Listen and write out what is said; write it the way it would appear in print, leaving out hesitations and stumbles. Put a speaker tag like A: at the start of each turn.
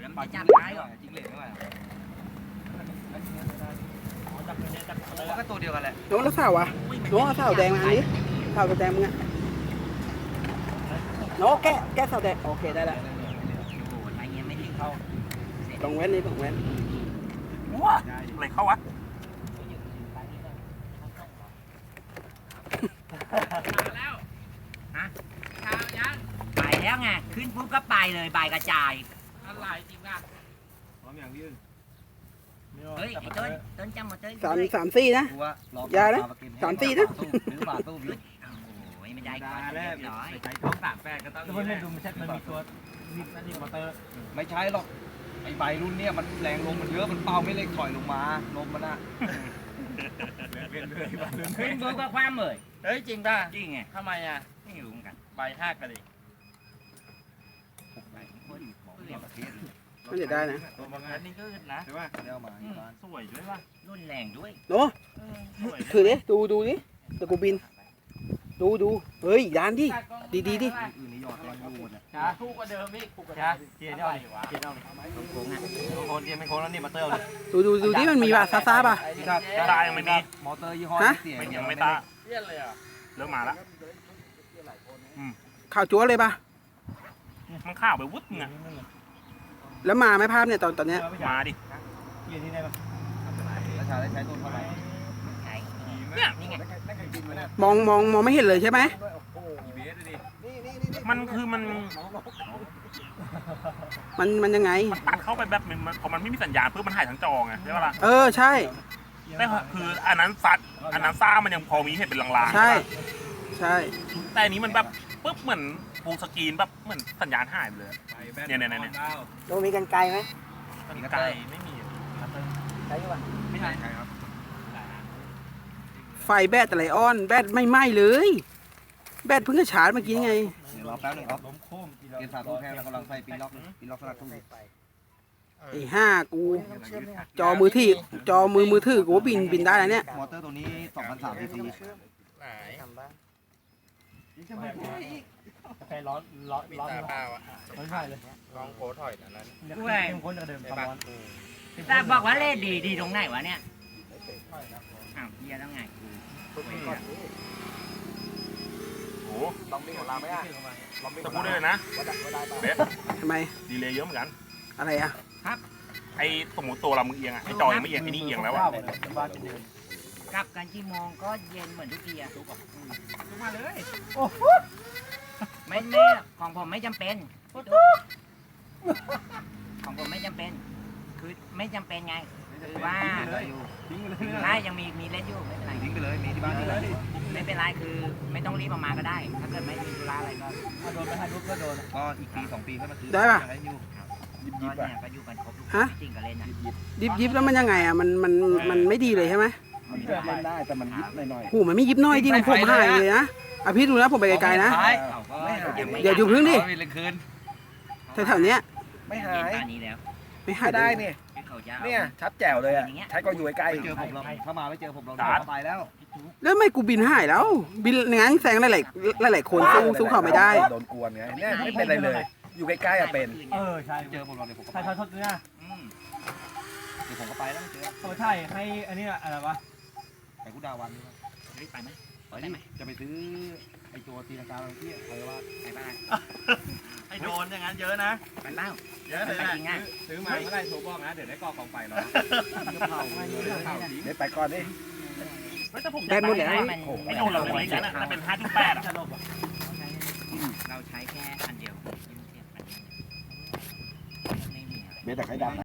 A: แล้วมันจะจับได้หรอจริงเหลวไม่ไหวมันก็ตัวเดียวกันแหละ
B: น้องแล้วสาวอ่ะน้องเอาสาวแดงมาอันนี้สาวแดงมึงอ่ะน้องแกะสาวแดงโอเคได้แล้ว
A: โอ้โหไอ้เงี้ยไม่ทิ้งเขา
B: ต้องแว้นนี่ต้องแว้น
C: ว้าอะไรเข้าวะ
A: แล้วฮะไปแล้วไงขึ้นปุ๊บก็ไปเลยใบกระจายอะไรจริงป่ะพร้อมอย่างพี่เฮ้ยไอ้ต้นจำหมดเลย
B: สามสี่นะยานะ3-4นะ
A: หรือเปล่าตู้โอ้ยไม่ได้ก่อนเรียบร้อย
D: ใช้ท้อง38ก็ต้องเล่นดูมันมีตัวนี่มอเตอร์ไม่ใช่หรอกไอ้ใบรุ่นเนี้ยมันแรงลมมันเยอะมันเป่าไม่เล็กถอยลงมาลมมันอะ
A: ขึ้นปุ๊บก็คว้าเลย
D: เฮ้ยจริงป่ะ
A: จริงไง
D: ทำไมอ่ะ
A: ไม่รู้เหมือนกัน
D: ใบหักกันดิ
B: มันจะได้นะ
D: ตัวบางอันนี่ก็อึดนะใช่ป่ะเดี๋ยวมาสวยด้วยป่ะ
A: รุ่นแรงด้วย
B: โน้ถือดิดูดิตะกูบินดูเฮ้ยยานดิดีดิ
D: อื่นนี่ยอดยังอยู่หมดเลยจ้าคู่กว่าเดิมอีกคู่กว่าเดิมเกียร์เอาดิเกียร์เอาดิ
A: โค้งอ่ะ
D: โคนเกียร์ไม่โคนแล้วนี่มาเติมเลย
B: ดูดิมันมีป่ะซาป่ะ
C: ตายังไม่มี
D: มอเตอร์ยี่ห้อเสีย
C: ยังไม่ตา
D: เลี่ยนเลยอ่ะ
C: เริ่มมาแล้ว
B: ข่าวจั๊วเลยป่ะ
C: มันข้าวไปวุ้ดไง
B: แล้วมาไหมภาพเนี่ยตอนเนี้ย
C: มาดิ
D: เกียร์ที่ไหนป่ะราชาได้ใช้ตัวเท่าไหร่
A: ใช่
C: เนี่ย
A: นี่ไง
B: มองไม่เห็นเลยใช่ไหม
C: มันคือมัน
B: มันยังไง
C: ตัดเข้าไปแบบพอมันไม่มีสัญญาณเพื่อมันหายทั้งจอไงใช่ปะล่ะ
B: ใช่
C: แต่คืออันนั้นซ่ามันยังพอมีเห็นเป็นลางๆ
B: ใช่
C: แต่อันนี้มันแบบปุ๊บเหมือนฟูลสกรีนแบบเหมือนสัญญาณหายไปเลยเนี่ย
B: เรามีกันไกลไหม
C: มันไกลไม่มี
B: ไกลป่ะ
C: ไม่ใช่ครับ
B: ไฟแบตอะไรออนแบตไม่ไหม้เลย แบตเพิ่งจะชาร์จเมื่อกี้ไง
D: รอแป๊บนึงครับเกียร์สามตัวแพงแล้วกำลังใส่ปีล็อกสลักตู้
B: ไอ้5กูจอมือถือกูบินได้แล้วเนี่ย
D: มอเตอร์ตัวนี้2,300 cc
E: ใครร้อนเปล่าอ่ะไม่ใช่เลยลองโคถอยนั้น
A: ด้วย
E: คนจะเดิมความร้อน
A: แต่บอกว่าเล่ดีตรงไหนวะเนี่ยอ้าวเฮียแล้วไงกู
C: โอ้ตะพูดได้เลยนะเบส
B: ทำไม
C: ดีเลยเยอะเหมือนกัน
B: อะไรอ่ะ
C: ไอ้สมมติตัวเรามึงเอียงอ่ะไอ้จอยังไม่เอียงไอ้นี่เอียงแล้วอ่ะ
A: กลับกันกี่โมงก็เย็นเหมือนทุกทีอะทุกมาเลยไม่ของผมไม่จำเป็นของผมไม่จำเป็นคือไม่จำเป็นไงคือว่าถ้ายังมีเล่นอยู่ไม่เป็นไร
D: ทิ้งไปเลยมีที่บ้านนี่เลย
A: ไม่เป็นไรคือไม่ต้องรีบออกมาก็ได้ ถ้าเกิดไม่มีธุระอะไรก็
E: โดนไปให้ลูกก็โดน
D: ก็อีกปี2 ปีค่อยมาซื้อ
B: ได้ป่ะ
D: อยู่
A: ก็เนี่ยก็อยู่กันครบทุกค
B: ฮะ
A: นจริงก็เล่นนะ
B: ยิบแล้วมันยังไงอ่ะมันไม่ดีเลยใช่ไหม
D: มันเล่นได้แต่มันยิบหน่อย
B: หูมันไม่ยิบน้อยดิผมหายเลยนะพี่ดูนะผมไปไกลๆนะ เดี๋ยวอยู่พึ่งดิ
D: ไม่เล่นคืน
B: แถวๆเนี้ย
D: ไม่หาย
A: ตอนนี้แล้ว
B: ไม่หาย
D: ได้เนี่ย
A: คือเขาจะ
D: เนี่ยชัดแจ๋วเลยอ่ะใช้ก็อยู่ใกล้เจอผมเราถ้ามาไม่เจอผมเราไปแล้ว
B: แล้วไม่กูบินหายแล้ว บินงั้นแซงหลายคนสู้เขาไม่ได้
D: โดนกวนไงเนี่ยไม่เป็นไรเลย อยู่ใกล้ๆอ่ะเป็น
E: ใช่
D: เจอผมเราเดี๋ยวผมก็
E: ใช่ทอดเนื้อ
D: เดี๋ยวผมก็ไปแล้วไม่เจอ
E: เขาใช่ให้อันนี้อะไรวะ
D: ไปกุดาวันนี่
A: ไปไหม
D: ไปดิจะไปซื้อไอตัวตีลังกาบางที่ใครว่า
A: ไปบ้าง
D: ไอโดนอย่างนั้นเยอะนะ
A: ไปบ้าง
D: เยอะเลย
A: ไปจริงอ่ะ
D: ซื้อมาเมื่อไรโทรบอกนะเดี๋ยวได้กอกองไฟรอเดี๋ยวไปก่อนดิ
C: แต่ผมอยากได้ไอ้โดนเราเล็กๆนะถ้าเป็น5.8อ่ะ
A: เราใช้แค่อันเดียวไม่มีอะไร
D: เบสแต่ใครดับ